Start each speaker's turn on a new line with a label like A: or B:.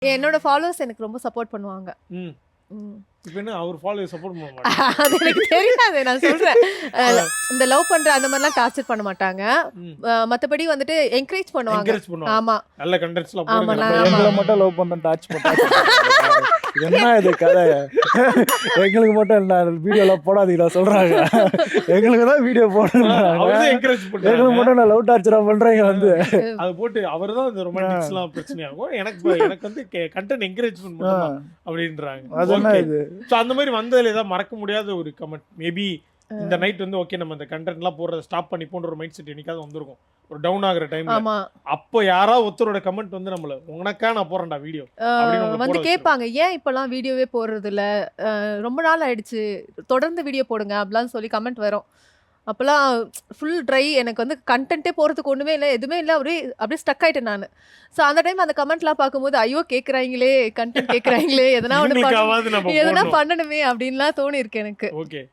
A: என்னோட ஃபாலோவர்ஸ் எனக்கு ரொம்ப சப்போர்ட் பண்ணுவாங்க.
B: ம்.
A: ம்.
B: இப்ப என்ன அவர் ஃபாலோவர்ஸ் சப்போர்ட் பண்ண மாட்டாங்க.
A: அது எனக்கு தெரியாது. நான் சொல்றேன். இந்த லவ் பண்ற அந்த மாதிரிலாம் டார்ச்சர் பண்ண மாட்டாங்க.
B: ம்.
A: மத்தபடி வந்துட்டு என்கரேஜ் பண்ணுவாங்க.
B: என்கரேஜ் பண்ணுவாங்க.
A: ஆமா.
B: நல்ல கண்டென்ட்ஸ்லாம்
A: ஆமா,
B: போடுங்க.
A: நான்
B: நம்ம
A: ஆமா.
C: எங்களை மட்டும் லவ் பண்ண டாச் பண்ணாங்க. என்ன இது கதை? எங்களுக்கு மட்டும் என்ன வீடியோலாம் போடாதீங்களா சொல்றாங்க. எங்களுக்கு தான் வீடியோ போடுறாங்க.
B: அவர்தான் என்கரேஜ்
C: எங்களுக்கு
B: பண்றாங்க.
C: மட்டும் நான் லவ் டார்ச்சரா பண்றீங்க வந்து.
B: அது போட்டு அவர்தான் இந்த ரொமான்டிக்ஸ்லாம் பிரச்சனையாகும். எனக்கு வந்து கண்டென்ட் என்கரேஜ்மென்ட் மட்டும் தான் அப்படின்றாங்க.
C: அது என்ன
B: ஓகே.
C: இது?
B: சோ அந்த மாதிரி வந்ததுல ஏதாவது மறக்க முடியாத ஒரு கமெண்ட் மேபி இந்த நைட் வந்து ஓகே நம்ம இந்த கண்டென்ட்லாம் போடுறத ஸ்டாப் பண்ணி போன்ற ஒரு மைண்ட் செட் என்னைக்காவது வந்திருக்கும். ஒரு டவுன் ஆகுற டைம்ல.
A: ஆமா.
B: அப்போ யாராவது ஒருத்தரோட கமெண்ட் வந்து நம்மள உனக்கா நான் போறேன்டா வீடியோ அப்படின்னு உங்களை
A: வந்து
B: போட
A: கேட்பாங்க, ஏன் இப்பெல்லாம் வீடியோவே போடுறது இல்ல? ரொம்ப நாள் ஆயிடுச்சு. தொடர்ந்து வீடியோ போடுங்க அப்படிலாம் சொல்லி கமெண்ட் வரும். அப்போலாம் ஃபுல் ட்ரை. எனக்கு வந்து கண்டென்ட்டே போகிறதுக்கு ஒன்றுமே இல்லை, எதுவுமே இல்லை. அப்படியே ஸ்டக் ஆயிட்டேன் நான். ஸோ அந்த டைம் அந்த கமெண்ட்லாம் பார்க்கும்போது ஐயோ கேட்குறாங்களே, கண்டென்ட் கேட்குறாங்களே, எதனா ஒன்று
B: இவங்களுக்காவது நம்ம
A: எதனா
B: போடணும்.
A: பண்ணணுமே அப்படின்லாம் தோணியிருக்கு எனக்கு.
B: ஓகே